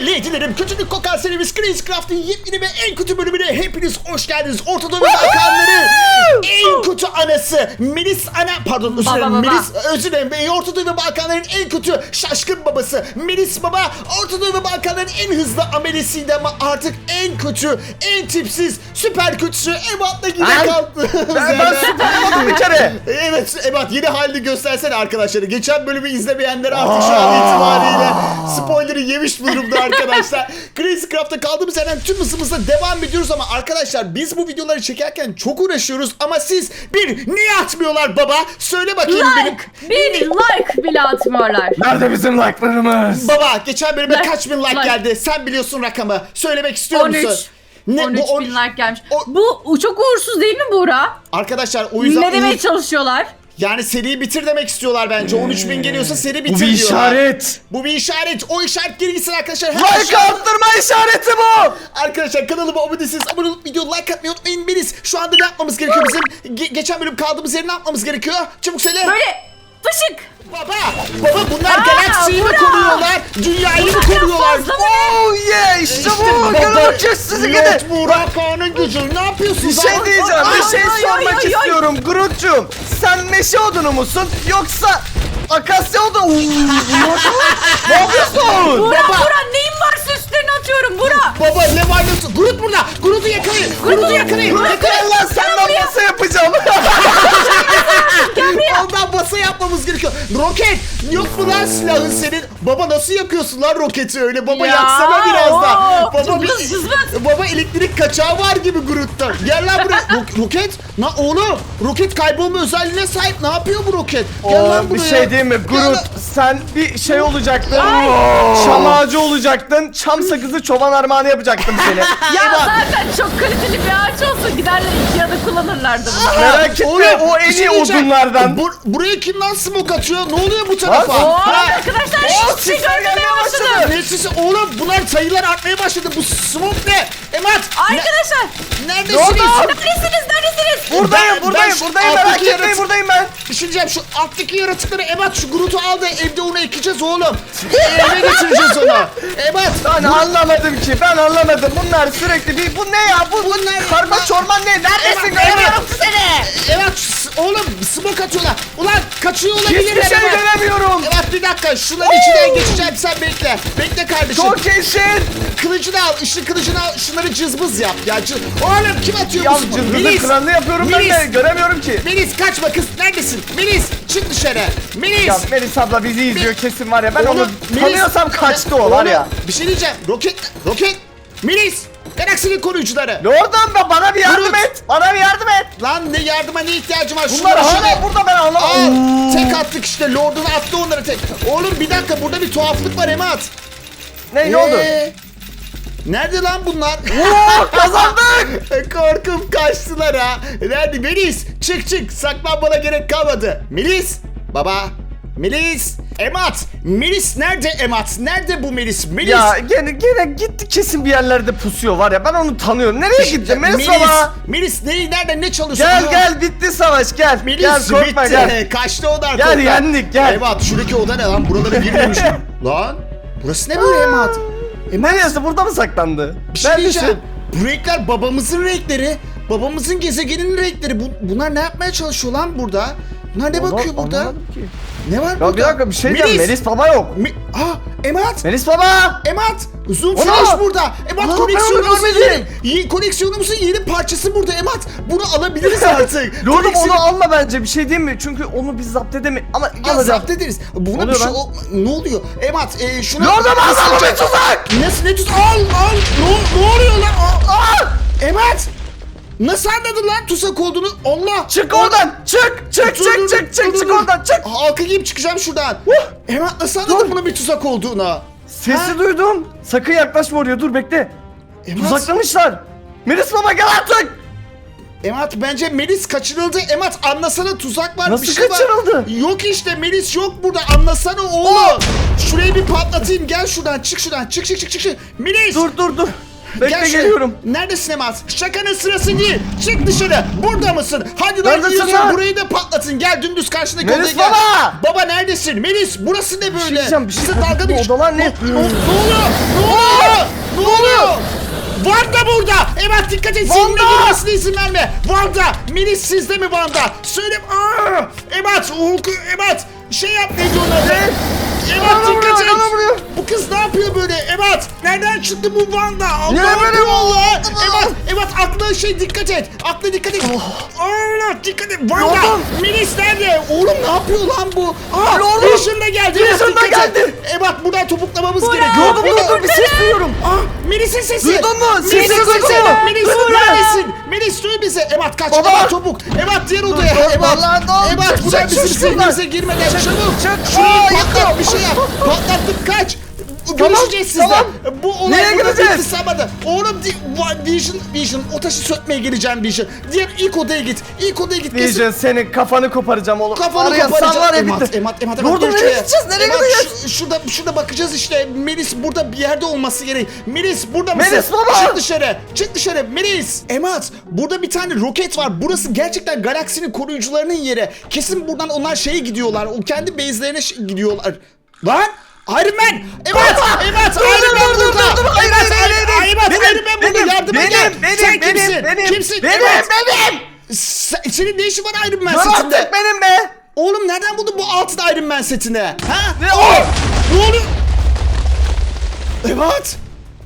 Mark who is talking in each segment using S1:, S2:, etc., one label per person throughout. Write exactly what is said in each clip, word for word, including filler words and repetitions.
S1: ve lady'lerim, kötülük kokan serimiz Crazy Craft'ın yepyeni ve en kötü bölümüne hepiniz hoş geldiniz. Orta Doğu ve Balkanların en kötü anası Melis ana pardon özür dilerim Melis özür dilerim Orta Doğu ve Balkanların en kötü şaşkın babası Melis baba, Orta Doğu ve Balkanların en hızlı amelesiydi ama artık en kötü, en tipsiz, süper kötüsü Ebat'la yine kalktı.
S2: Ben, ben süper bir kere.
S1: Evet Ebat, yeni halini göstersene arkadaşlar. Geçen bölümü izlemeyenler artık şu an itibariyle spoiler'ı yemiş durumda arkadaşlar. Crazy Craft'ta kaldığımız yerden tüm hızımızla devam ediyoruz ama arkadaşlar biz bu videoları çekerken çok uğraşıyoruz ama siz bir niye atmıyorlar baba? Söyle bakayım
S3: like,
S1: benim.
S3: bir like bile atmıyorlar.
S2: Nerede bizim like'larımız?
S1: Baba geçen bölüme
S3: Like,
S1: kaç bin like,
S3: like.
S1: geldi? Sen biliyorsun rakamı. Söylemek istiyor
S3: on üç.
S1: musun? Ne,
S3: on üç
S1: bu on-
S3: bin like gelmiş.
S1: o-
S3: Bu çok uğursuz değil mi Buğra?
S1: Arkadaşlar o yüzden
S3: Ne demeye
S1: uğur-
S3: çalışıyorlar?
S1: yani seriyi bitir demek istiyorlar bence. on üç bin geliyorsa seri bitir
S2: Bu bir
S1: diyorlar.
S2: işaret.
S1: Bu bir işaret. O işaret geri gitsin arkadaşlar. Her
S2: Like
S1: şey-
S2: arttırma işareti bu.
S1: Arkadaşlar kanalıma abone değilseniz abone olup video like atmayı unutmayın. Beniz şu anda ne yapmamız gerekiyor bizim? Ge- geçen bölüm kaldığımız yeri ne yapmamız gerekiyor? Çabuk söyle.
S3: Böyle fışık.
S1: Baba, baba bunlar
S3: Aa,
S1: galaksiyi mi
S3: bura.
S1: koruyorlar? Dünyayı mı koruyorlar?
S3: fazla mı?
S2: Oh yeah, işte
S1: İşte
S2: bu.
S1: baba,
S2: Gelin bakayım sizi gidin.
S1: Lot Burak Ağa'nın gücü. Ne yapıyorsunuz?
S2: Bir şey
S1: lan?
S2: diyeceğim,
S1: Aa,
S2: bir şey
S3: ay, ay,
S2: sormak
S3: ay, ay.
S2: istiyorum Groot'cum. Sen meşe odunu musun yoksa akasya odunu? Oo, ne yapıyorsun?
S3: Buğra
S1: Baba.
S3: Buğra neyin varsa üstlerine atıyorum Buğra.
S1: Baba ne var ne? Groot burada. Groot'u yakalayın. Groot'u yakalayın. Yakalayın.
S2: Allah senden nasıl yapacağım?
S1: Ondan basa yapmamız gerekiyor. Roket yok mu lan silahın senin? Baba nasıl yakıyorsun lan roketi öyle? Baba
S3: Ya,
S1: yaksana biraz da.
S3: oo,
S1: Baba bir,
S3: cızbız, cızbız.
S1: baba elektrik kaçağı var gibi Groot'ta. Gel lan buraya. Ro- roket? Na oğlum roket kaybolma özelliğine sahip. Ne yapıyor bu roket? Gel
S2: Oo,
S1: lan
S2: bir
S1: buraya.
S2: şey diyeyim mi?
S1: Gel
S2: Groot
S1: lan.
S2: sen bir şey olacaktın. Çam ağacı olacaktın. Çam sakızı çoban armağanı yapacaktım seni.
S3: Ya
S1: Eyvah.
S3: zaten çok kaliteli bir ağaç olsa giderler Ikea'da kullanırlardı bunu.
S2: Merak etme,
S1: Oğlum,
S2: o en
S1: bir şey
S2: iyi
S1: diyeceğim.
S2: odunlardan.
S1: Bu, buraya kim lan smoke atıyor? Ne oluyor bu tarafa?
S2: Lan,
S3: Oo
S1: Ha?
S3: arkadaşlar
S2: Oo,
S3: hiçbir şey
S2: sesler
S3: görmemeye
S2: gelmeye
S3: başladım.
S2: başladı.
S1: Ne sesi? Oğlum bunlar sayılar artmaya başladı. Bu smoke ne? Emat.
S3: Arkadaşlar
S1: Ne, neredesiniz?
S2: Ne oldu?
S3: neredesiniz neredesiniz?
S2: Buradayım,
S1: Ben-
S2: buradayım,
S1: ben şu
S2: buradayım.
S1: alttaki
S2: Merak etmeyin,
S1: yaratık-
S2: buradayım ben.
S1: Bir şey diyeceğim, şu alttaki yaratıkları Ebat şu Groot'u al da evde onu ekeceğiz oğlum. Eve getireceğiz onu. Ebat.
S2: Ben anlamadım ki, ben anlamadım. Bunlar sürekli bir, bu ne ya? Bu, bu
S1: Bunlar-
S2: karma çorman ne? Neredesin?
S1: Ebat,
S2: Göremiyorum
S1: Ebat.
S2: seni.
S1: Ebat s- oğlum smoke atıyorlar. Ulan kaçıyor olabilirler.
S2: Hiçbir şey
S1: Ebat.
S2: göremiyorum.
S1: Ebat bir dakika şunların içinden geçeceğim, sen bekle. Bekle kardeşim.
S2: Çok eşit.
S1: Kılıcını al, ışın kılıcını al, şunları cızbız yap. Ya cız... Oğlum kim atıyor
S2: Ya
S1: bu smoke?
S2: cımbızın
S1: Melis.
S2: kralını yapıyorum ben de.
S1: Melis.
S2: Göremiyorum ki.
S1: Melis kaçma kız, neredesin? Melis çık dışarı. Melis.
S2: Ya Melis abla bizi izliyor kesin var ya. Ben
S1: Oğlum,
S2: onu
S1: Melis-
S2: tanıyorsam kaçtı o var
S1: Oğlum,
S2: ya.
S1: Bir şey diyeceğim. Roket, roket. Melis. Galaksinin koruyucuları.
S2: Oradan da bana bir yardım
S1: Groot.
S2: et. Bana bir yardım et.
S1: Lan ne yardıma ne ihtiyacım var?
S2: Bunlar
S1: Şunları
S2: hala
S1: şöyle-
S2: burada ben
S1: Al.
S2: anlamadım.
S1: Tek attık işte. Lord'unu attı onları tek. Oğlum bir dakika burada bir tuhaflık var Emat.
S2: Ne ne oldu?
S1: Ee, Nerede lan bunlar?
S2: Oo, kazandık.
S1: Korkum kaçtılar ha. Nerede? Melis çık çık. Saklanmana gerek kalmadı. Melis. Baba. Melis. Emat. Melis nerede Emat? Nerede bu Melis? Melis.
S2: Ya gene gene gitti kesin bir yerlerde pusuyor var ya ben onu tanıyorum. Nereye gitti Melis baba?
S1: Melis ne, nereden ne çalışıyor?
S2: Gel gel bitti savaş gel.
S1: Melis
S2: Gel korkma
S1: bitti.
S2: gel.
S1: Kaçtı onlar.
S2: Gel,
S1: korkma.
S2: yendik, gel.
S1: Emat şuradaki oda ne lan? Buralara girmemiş. Lan. Burası ne böyle Emat?
S2: Neresi burada mı saklandı?
S1: Bir şey
S2: Neredesin?
S1: diyeceğim. Bu renkler babamızın renkleri. Babamızın gezegeninin renkleri. Bu, bunlar ne yapmaya çalışıyor lan burada? Bunlar ne
S2: Onu
S1: bakıyor burada?
S2: anlamadım ki.
S1: Ne var
S2: Ya
S1: burada?
S2: bir dakika bir şey diyeceğim Melis baba yok.
S1: Mi Aa Emat.
S2: Melis baba.
S1: Emat. Zoom
S2: Ona!
S1: flash burada. Emat
S2: Aa,
S1: koleksiyonumuzun
S2: ben onu
S1: yeni, ye- koleksiyonumuzun yeni parçası burada Emat. Bunu alabiliriz artık.
S2: Lordum
S1: Koleksiyon-
S2: onu alma bence bir şey diyeyim mi? Çünkü onu biz zapt edemeyiz. Ama
S1: Ya
S2: alacağım.
S1: zapt ederiz. Buna
S2: Oluyor
S1: bir şey
S2: lan.
S1: ol... Ne oluyor? Emat e, şunu...
S2: Lordum al bir tuzak.
S1: Nasıl ne tut? Al al. Ne, ne oluyor lan? Aa, aa! Emat. Nasıl anladın lan tuzak olduğunu? Allah.
S2: Çık oradan. Çık çık
S1: Dur, dur,
S2: çık
S1: dur,
S2: çık çık
S1: dur,
S2: çık
S1: dur.
S2: oradan çık.
S1: Halka giyip çıkacağım şuradan. Emat nasıl anladın
S2: Dur.
S1: bunun bir tuzak olduğunu?
S2: Sesi
S1: Ha?
S2: duydum. Sakın yaklaşma oraya dur bekle.
S1: Emat,
S2: Tuzaklamışlar. Melis baba gel artık.
S1: Emat bence Melis kaçırıldı. Emat anlasana tuzak var.
S2: Nasıl
S1: bir şey
S2: kaçırıldı?
S1: Var. Yok işte Melis yok burada. Anlasana oğlum. Şurayı bir patlatayım. Gel şuradan çık şuradan. Çık çık çık çık. çık. Melis.
S2: Dur dur dur. Bekle,
S1: Gel şuraya.
S2: geliyorum.
S1: Neredesin Emat? Şakanın sırası değil. Çık dışarı. Burada mısın? Hadi lan
S2: Neredesin
S1: gidiyorsun.
S2: lan?
S1: Burayı da patlatın. Gel dümdüz karşındaki
S2: Melis
S1: odaya gel.
S2: baba!
S1: Baba neredesin? Melis burası ne böyle?
S2: diyeceğim, bir şey-
S1: Bize dalga
S2: Bu
S1: mı geç-
S2: odalar ne?
S1: Ne, ne, ne oluyor? Ne oluyor? Ne oluyor? Vanda burada. Emat dikkat et. Seninle
S2: Wanda!
S1: girmesine izin verme. Vanda. Melis sizde mi Vanda? Söyle. Aa! Emat. Hulk. Emat. Şey yap neydi onun adı?
S2: Ne?
S1: Emat
S2: Bana
S1: dikkat
S2: vuruyor,
S1: et.
S2: bana vuruyor.
S1: Bu kız ne yapıyor böyle? Emat. Nereden çıktı bu Vanda?
S2: Ne
S1: Allah
S2: böyle
S1: Allah.
S2: bu?
S1: Emat. Emat aklına şey dikkat et. Aklına dikkat et. Allah dikkat et. Vanda.
S2: Lordum.
S1: Melis nerede? Oğlum ne yapıyor lan bu? Aa,
S2: Lordum.
S1: Vision da geldi.
S2: Vision
S1: Emat,
S2: da
S1: dikkat et.
S2: geldi.
S1: Emat buradan topuklamamız
S3: Burak.
S1: gerekiyor.
S2: Lordum
S1: Burada-
S2: lordum bir ses duyuyorum.
S1: Aa, Melis'in sesi.
S2: Duydun mu?
S1: Melis'in
S2: Sesi duydun
S1: sesi.
S2: mu?
S1: Melis
S2: Duydun mu?
S1: neredesin? Melis duy bizi. Emat kaç.
S2: Baba.
S1: Emat çabuk. Emat diğer odaya.
S2: dur,
S1: Emat.
S2: vallahi dur.
S1: Emat
S2: Çık,
S1: buradan
S2: çık,
S1: bizim
S2: çık şuradan.
S1: sinirimize girmeden çabuk.
S2: çık.
S1: Şurayı
S2: Aa,
S1: patlat
S2: yakın.
S1: bir şey yap. Patlattık kaç. Görüşeceğiz sizle.
S2: tamam.
S1: Bu olay
S2: Nereye
S1: burada
S2: gideceğiz?
S1: bitti sabahda. Oğlum di- Va- Vision, Vision o taşı sökmeye geleceğim Vision. Diğer ilk odaya git. İlk odaya git. Kesin-
S2: Diyeceğiz senin kafanı koparacağım oğlum.
S1: Kafanı
S2: Var ya,
S1: koparacağım.
S2: sen var ya
S1: Emat,
S2: bitti.
S1: Emat, Emat, Emat.
S2: Lordum,
S1: dur
S2: nereye
S1: şuraya.
S2: gideceğiz? Nereye
S1: Emat,
S2: gideceğiz?
S1: şu- şurada, şurada bakacağız işte. Melis burada bir yerde olması gerek. Melis burada mısın?
S2: Melis baba!
S1: Çık dışarı. Çık dışarı. Melis. Emat burada bir tane roket var. Burası gerçekten galaksinin koruyucularının yeri. Kesin buradan onlar şeye gidiyorlar. O kendi base'lerine ş- gidiyorlar. Lan! Iron Man! Evet! Evet!
S2: Dur,
S1: Iron
S2: dur,
S1: Man
S2: dur, dur,
S1: burada!
S2: dur, dur. Hayır,
S1: Evet,
S2: hayır, hayır, hayır.
S1: Evet,
S2: Benim,
S1: Iron Man burada!
S2: benim,
S1: Yardıma
S2: benim,
S1: gel!
S2: benim,
S1: Sen
S2: benim,
S1: kimsin?
S2: benim,
S1: Kimsin?
S2: benim,
S1: Evet.
S2: benim.
S1: Sen- senin ne işin var Iron Man
S2: Lan
S1: setinde?
S2: artık benim be.
S1: Oğlum nereden buldun bu altın Iron Man setini? Ha?
S2: Ne
S1: Aa!
S2: o?
S1: Ne oluyor? Evet.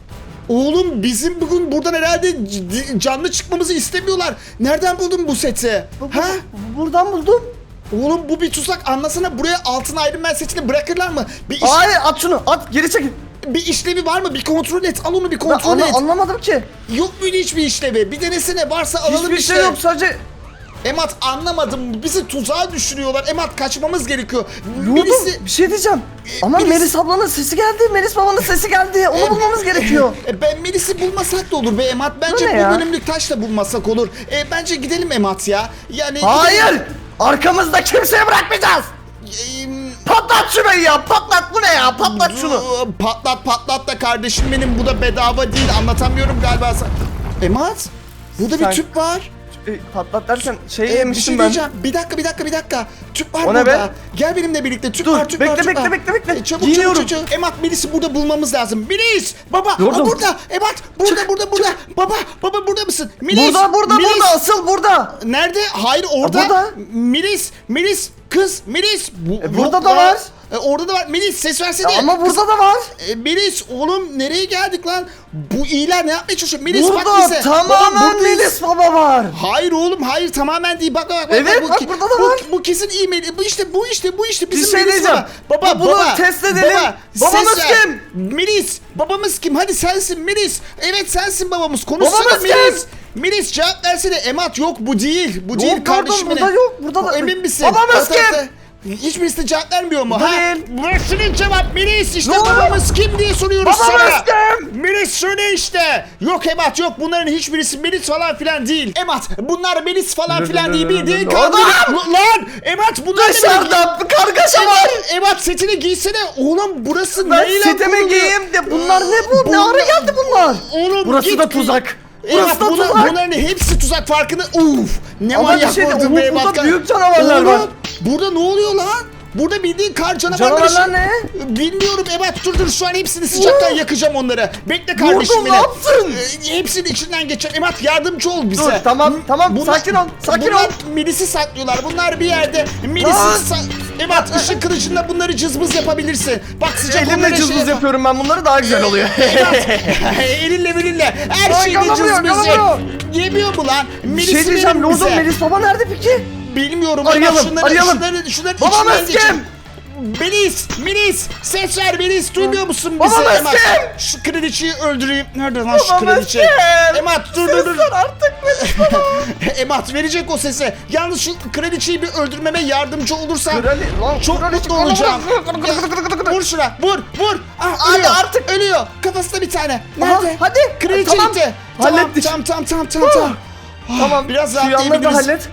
S1: Oğlum bizim bugün buradan herhalde c- canlı çıkmamızı istemiyorlar. Nereden buldun bu seti? Ha?
S2: Buradan buldum.
S1: Oğlum bu bir tuzak. Anlasana buraya altın Iron Man setini bırakırlar mı? Bir, iş-
S2: Hayır at şunu at geri çekil.
S1: bir işlevi var mı? Bir kontrol et. Al onu bir
S2: Ben
S1: kontrol
S2: anla-
S1: et.
S2: anlamadım ki.
S1: Yok muydu hiçbir işlevi? Bir denesene. Varsa alalım
S2: Hiçbir
S1: işte.
S2: şey yok sadece.
S1: Emat anlamadım. Bizi tuzağa düşürüyorlar. Emat kaçmamız gerekiyor.
S2: Lordum
S1: Birisi...
S2: bir şey diyeceğim. Ama
S1: Melis-
S2: Melis ablanın sesi geldi. Melis babanın sesi geldi. Onu bulmamız gerekiyor.
S1: E, ben Melis'i bulmasak da olur be Emat. Bence
S2: Bu ne
S1: bu
S2: ya?
S1: bölümlük taşla bulmasak olur. E, bence gidelim Emat ya. Yani
S2: Hayır. Arkamızda kimseye bırakmayacağız.
S1: gidelim. E,
S2: Patlat şurayı ya. Patlat bu ne ya? Patlat şunu.
S1: Patlat patlat da kardeşim benim. Bu da bedava değil. Anlatamıyorum galiba. sana. Emat. Burada
S2: Sen-
S1: bir tüp var.
S2: E, patlat dersen şey
S1: E, bir
S2: yemiştim
S1: şey
S2: ben.
S1: diyeceğim. Bir dakika bir dakika bir dakika. Tüp var
S2: O ne
S1: burada.
S2: be?
S1: Gel benimle birlikte. Tüp
S2: Dur,
S1: var tüp
S2: bekle,
S1: var. tüp
S2: bekle,
S1: var.
S2: bekle, bekle.
S1: E, çabuk
S2: Giyiniyorum.
S1: çabuk çabuk. Emat Melis'i burada bulmamız lazım. Melis! Baba!
S2: Lordum.
S1: Aa, burada! Emat! Burada
S2: Çık,
S1: burada burada! Baba! Baba burada mısın? Melis!
S2: Burada burada
S1: Melis!
S2: burada asıl burada.
S1: Nerede? Hayır orada.
S2: burada.
S1: Melis! Melis! Kız! Melis! Bu,
S2: E, burada
S1: yok
S2: da
S1: ya.
S2: var.
S1: E, orada da var. Melis ses versene.
S2: Ya ama
S1: Kız-
S2: burada da var.
S1: E, Melis oğlum nereye geldik lan? Bu iyiler ne yapmaya çalışıyor? Melis bak
S2: Burada
S1: bize.
S2: tamamen
S1: Baba, buradayız.
S2: Melis baba var.
S1: Hayır oğlum hayır tamamen değil bak bak bak.
S2: Evet,
S1: bu,
S2: bak
S1: ki-
S2: burada da
S1: bu,
S2: var.
S1: Bu kesin e-mail. Bu işte bu işte bu işte bizim
S2: Bir şey
S1: Melis
S2: diyeceğim.
S1: baba. Baba
S2: Bunu
S1: baba.
S2: test edelim.
S1: Baba,
S2: Babamız
S1: ses ver.
S2: kim?
S1: Melis. Babamız kim? Hadi sensin Melis. Evet sensin babamız. Konuşsana
S2: Babamız
S1: Melis. Melis cevap versene. Emat yok bu değil. Bu değil
S2: Yok,
S1: kardeşim
S2: burada
S1: benim.
S2: yok, burada da-
S1: Emin misin?
S2: Babamız
S1: Evet,
S2: kim?
S1: evet. Hiçbirisi de cevap vermiyor mu?
S2: Burada
S1: Ha?
S2: değil.
S1: Versene cevap Melis işte
S2: Yok.
S1: babamız kim diye soruyoruz
S2: Babamız
S1: sana.
S2: kim?
S1: Melis söyle işte. Yok Emat yok bunların hiçbirisi Melis falan filan değil. Emat bunlar Melis falan filan değil bildiğin
S2: Adam!
S1: kandırık. Lan Emat bunlar ne
S2: Dışarıda bir kargaşa var.
S1: Emat, Emat setini giysene. Oğlum burası
S2: Ben
S1: neyle
S2: siteme
S1: kurulu?
S2: giyeyim de bunlar ne bu? Ne
S1: Bunlar-
S2: ara geldi bunlar?
S1: Oğlum
S2: Burası
S1: git-
S2: da tuzak.
S1: Emat
S2: Burası da
S1: bunlar,
S2: tuzak.
S1: bunların hepsi tuzak farkında. Uf ne
S2: Ama
S1: manyak
S2: bir şey de-
S1: vurdun
S2: Oğlum,
S1: be Emat.
S2: burada büyük canavarlar
S1: Oğlum,
S2: var.
S1: Burada ne oluyor lan? Burada bildiğin kar canavarları.
S2: Canavarlar ne?
S1: Bilmiyorum Ebat dur dur şu an hepsini sıcaktan yakacağım onları. Bekle kardeşim
S2: Vurdum,
S1: beni.
S2: ne yaptın?
S1: Ee, hepsinin içinden geçeceğim. Ebat yardımcı ol bize.
S2: Dur, tamam,
S1: M-
S2: tamam, sakin ol, sakin
S1: bunlar
S2: ol.
S1: Melis'i saklıyorlar. Bunlar bir yerde. Melis'i
S2: Lan.
S1: sa- Ebat ışık kılıcıyla bunları cızbız yapabilirsin. Bak sıcak
S2: Elimle
S1: onlara
S2: cızbız
S1: yap-
S2: yapıyorum ben bunları daha güzel oluyor.
S1: Ebat, elinle elinle her
S2: Lan,
S1: şeyi
S2: yalamıyor,
S1: cızbız
S2: yalamıyor.
S1: ye. Yemiyor mu lan?
S2: Bir
S1: Melis'i
S2: şey diyeceğim
S1: verin
S2: Lordum
S1: bize.
S2: Melis baba nerede peki?
S1: Bilmiyorum
S2: Arayalım,
S1: ama şunları,
S2: arayalım.
S1: şunları, şunları
S2: Babamız
S1: içinden geçin.
S2: kim?
S1: Melis, Melis, ses ver Melis, duymuyor musun bizi?
S2: Babamız
S1: Emat,
S2: kim?
S1: şu kraliçeyi öldüreyim. Nerede lan şu
S2: Babamız
S1: kraliçe?
S2: kim?
S1: Emat dur dur dur.
S2: Sen artık Melis baba.
S1: Emat verecek o sesi. Yalnız şu kraliçeyi bir öldürmeme yardımcı olursan
S2: Krali- lan,
S1: çok
S2: kraliçe-
S1: mutlu olacağım.
S2: Kır-
S1: Ya, vur şuna, vur, vur. Ah,
S2: Hadi
S1: ölüyor,
S2: artık.
S1: ölüyor. Kafasında bir tane.
S2: Aha,
S1: Nerede?
S2: hadi.
S1: Kraliçe
S2: Tamam,
S1: gitti. Tamam,
S2: hallettik.
S1: tamam, tamam, tamam, tamam. tamam. Ah,
S2: Tamam
S1: biraz
S2: şu yanları da
S1: rahatlayabiliriz.
S2: hallet.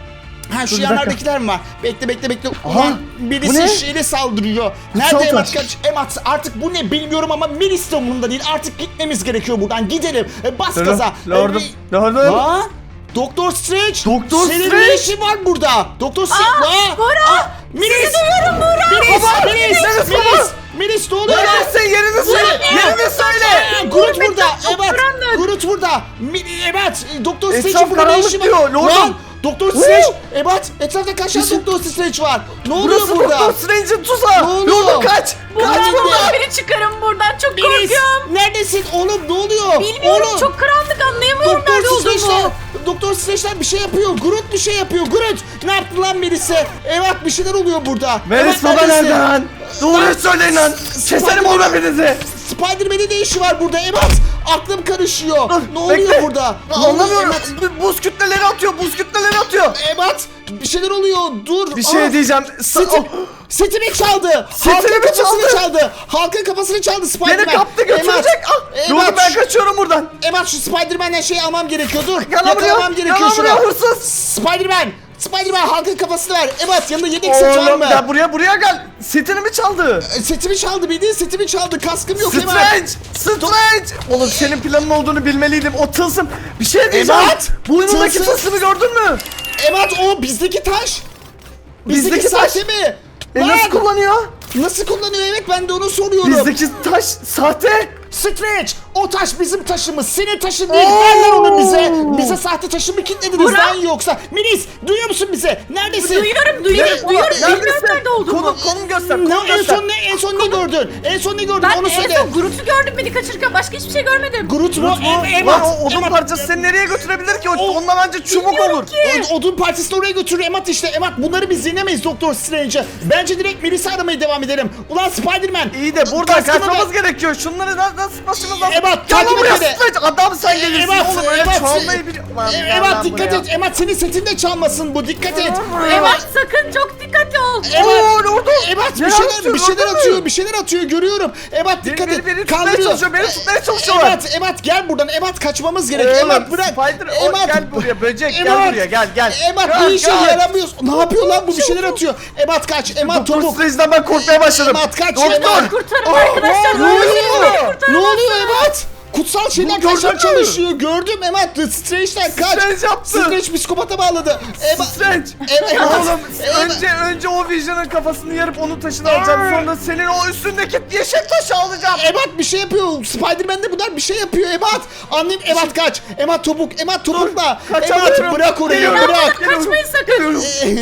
S1: Ha şu
S2: Dur, bir dakika.
S1: yanlardakiler mi var? Bekle bekle bekle.
S2: Aha,
S1: Ulan
S2: bu
S1: birisi
S2: ne?
S1: şeyle saldırıyor. Nerede
S2: Saltaç.
S1: Emat kaç? Emat artık bu ne bilmiyorum ama Melis de umurumda değil. Artık gitmemiz gerekiyor buradan. Gidelim. E, bas
S2: Lordum,
S1: gaza.
S2: Lordum,
S1: E,
S2: Lordum.
S1: Lan Doktor Strange.
S2: Doktor
S1: Senin
S2: Strange.
S1: ne işin var burada? Doktor Strange. Aa,
S3: Bora,
S1: aa, Melis.
S3: duyuyorum Bora.
S1: Melis.
S2: Baba,
S1: Melis.
S2: Melis,
S1: Melis.
S2: baba.
S1: Melis ne oluyor lan?
S2: Neredesin? Yerini söyle. Yerini söyle.
S1: Aa, Groot
S3: Groot
S1: burada.
S3: çok
S1: Evet.
S3: karanlık.
S1: Groot burada. Mi- Evet. Doktor
S2: Etraf
S1: Strange'in burada ne
S2: karanlık
S1: işi var?
S2: diyor, Lordum.
S1: Lan Doktor Strange. Evet. Etrafta kaç tane Doktor Strange var? Ne oluyor
S2: Burası
S1: burada?
S2: Doktor Strange'in tuzağı.
S1: Ne oluyor?
S2: Lordum kaç.
S3: Buradan
S2: Kaç buradan.
S3: beni çıkarın buradan. Çok
S1: Melis.
S3: korkuyorum.
S1: Neredesin oğlum? Ne oluyor?
S3: Bilmiyorum,
S1: Oğlum.
S3: çok karanlık, anlayamıyorum nerede
S1: Doktor Strange'ler,
S3: olduğumu.
S1: Doktor Strange'ler bir şey yapıyor. Groot bir şey yapıyor. Groot ne yaptı lan Melis'e? Evet bir şeyler oluyor burada.
S2: Melis
S1: Evet,
S2: baba
S1: neredesin?
S2: nerede lan? Doğruyu söyleyin lan. Keserim oğlum hepinizi.
S1: Spider-Man'in ne işi var burada? Evet aklım karışıyor. Ne oluyor
S2: Bekle.
S1: burada? Ne oluyor
S2: Anlamıyorum.
S1: Evet?
S2: Bu- Buz kütleleri atıyor. Buz kütleleri atıyor.
S1: Evet bir şeyler oluyor. Dur.
S2: Bir şey
S1: Aa,
S2: diyeceğim. Sa-
S1: Seti,
S2: oh,
S1: setimi çaldı.
S2: Setini
S1: Halkın
S2: mi
S1: kafasını
S2: çaldı?
S1: çaldı. Halkın kafasını çaldı Spider-Man.
S2: Beni kaptı götürecek. Ah,
S1: Evet.
S2: Lordum ben
S1: şu-
S2: kaçıyorum buradan.
S1: Evet şu Spider-Man'den şey almam gerekiyor. Dur.
S2: Gel lan buraya.
S1: Yakalamam gerekiyor
S2: Gel lan
S1: şuna.
S2: buraya hırsız.
S1: Spider-Man. Spider-Man halkın kafasını ver. Evet yanında yedek set var
S2: Oğlum
S1: mı?
S2: gel buraya buraya gel. Setini mi çaldı?
S1: E, Setimi çaldı bildiğin setimi çaldı. Kaskım yok hemen.
S2: Strange! Strange! Oğlum senin planın olduğunu bilmeliydim. O tılsım. Bir şey diyeceğim.
S1: Evet.
S2: Boynundaki
S1: Tılsım.
S2: tılsımı gördün mü?
S1: Evet o bizdeki taş. Bizdeki,
S2: Bizdeki taş.
S1: sahte mi?
S2: E
S1: Lan,
S2: nasıl kullanıyor?
S1: Nasıl kullanıyor evet ben de onu soruyorum.
S2: Bizdeki taş sahte.
S1: Strange o taş bizim taşımız. Senin taşın değil.
S2: Oo.
S1: Ver lan onu bize. Bize sahte taşı mı kilitlediniz
S3: Burak.
S1: lan yoksa? Melis duyuyor musun bize? Neredesin?
S3: Duyuyorum, duyuyorum,
S1: Ne-
S3: duyuyorum.
S1: Ne-
S3: Bilmiyorum nerede olduğumu.
S2: Konum, konum göster,
S1: Ne,
S2: konum
S1: en
S2: göster.
S1: son ne en son ne gördün? En son ne gördün?
S3: Ben
S1: onu
S3: en
S1: söyle.
S3: son Groot'u gördüm beni kaçırırken, başka hiçbir şey görmedim.
S1: Groot mu?
S2: Lan
S1: Em-
S2: lan
S1: Emat.
S2: o odun
S1: Emat.
S2: parçası seni nereye götürebilir ki? O,
S1: O-
S2: ondan anca çubuk
S3: Bilmiyorum
S2: olur.
S3: ki.
S1: O- Odun partisini oraya götürür Emat işte. Emat bunları biz yenemeyiz Doktor Strange'e. Bence direkt Melis'i aramaya devam edelim. Ulan Spider-Man.
S2: İyi de buradan
S1: kaskımı
S2: kaçmamız
S1: ver.
S2: gerekiyor. Şunları nasıl nasıl başımız lazım?
S1: Emat,
S2: Gel lan
S1: takip
S2: buraya
S1: et beni.
S2: Strange. Adam sen gelirsin
S1: Emat,
S2: oğlum. Öyle
S1: Emat.
S2: çalmayı biliyor. Lan
S1: E-
S2: gel
S1: Emat
S2: lan
S1: dikkat
S2: buraya.
S1: et. Emat senin setinde çalmasın bu. Dikkat et.
S3: Emat sakın çok dikkatli ol.
S1: Emat.
S2: Oo, Lordum.
S1: Emat bir
S2: Ne
S1: şeyler
S2: yapıyor,
S1: bir şeyler
S2: gördün mü?
S1: atıyor. Bir şeyler atıyor görüyorum. Emat
S2: Beni,
S1: dikkat
S2: beni,
S1: et.
S2: beni tutmaya
S1: Kandırıyor.
S2: çalışıyor. Beni tutmaya çalışıyorlar.
S1: Emat, Emat gel buradan. Emat kaçmamız gerek.
S2: Oğlum,
S1: Emat bırak.
S2: Spider, o, gel buraya böcek gel
S1: Emat.
S2: buraya gel gel.
S1: Emat
S2: Gel,
S1: bu işe
S2: gel.
S1: yaramıyorsun. Ne yapıyor lan bu bir şeyler atıyor. Emat kaç. Emat
S2: Doktor
S1: topuk.
S2: Strange'den ben korkmaya başladım.
S1: Emat kaç.
S2: Doktor.
S1: Emat.
S3: Kurtarın
S2: Oh,
S3: arkadaşlar.
S2: ne
S3: Ne
S2: oluyor?
S3: oluyor?
S1: Ne oluyor Emat? Kutsal şeyler
S2: Gördün
S1: kaçar
S2: mü?
S1: çalışıyor. Gördüm Emat. Strange'den kaç.
S2: Strange yaptı.
S1: Strange psikopata bağladı. Emat.
S2: Strange.
S1: Evet.
S2: Oğlum
S1: Evet.
S2: önce önce o Vision'ın kafasını yarıp onun taşını alacağım. Sonra senin o üstündeki yeşil taşı alacağım.
S1: Emat bir şey yapıyor. Spider-Man'de bunlar bir şey yapıyor Emat. Anlayayım Emat kaç. Emat topuk. Emat topukla. Emat
S2: kaçamıyorum.
S1: bırak orayı
S2: Geliyorum.
S1: bırak.
S3: Kaçmayın sakın.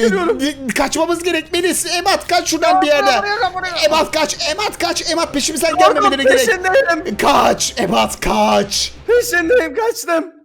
S1: Ee, Kaçmamız gerekmeliyiz. Emat kaç şuradan bir yerden. Emat kaç. Emat kaç. Emat peşimizden gelmemeleri
S2: Korkut
S1: gerek.
S2: peşindeyim.
S1: Kaç. Emat kaç.
S2: Peşindeyim kaçtım.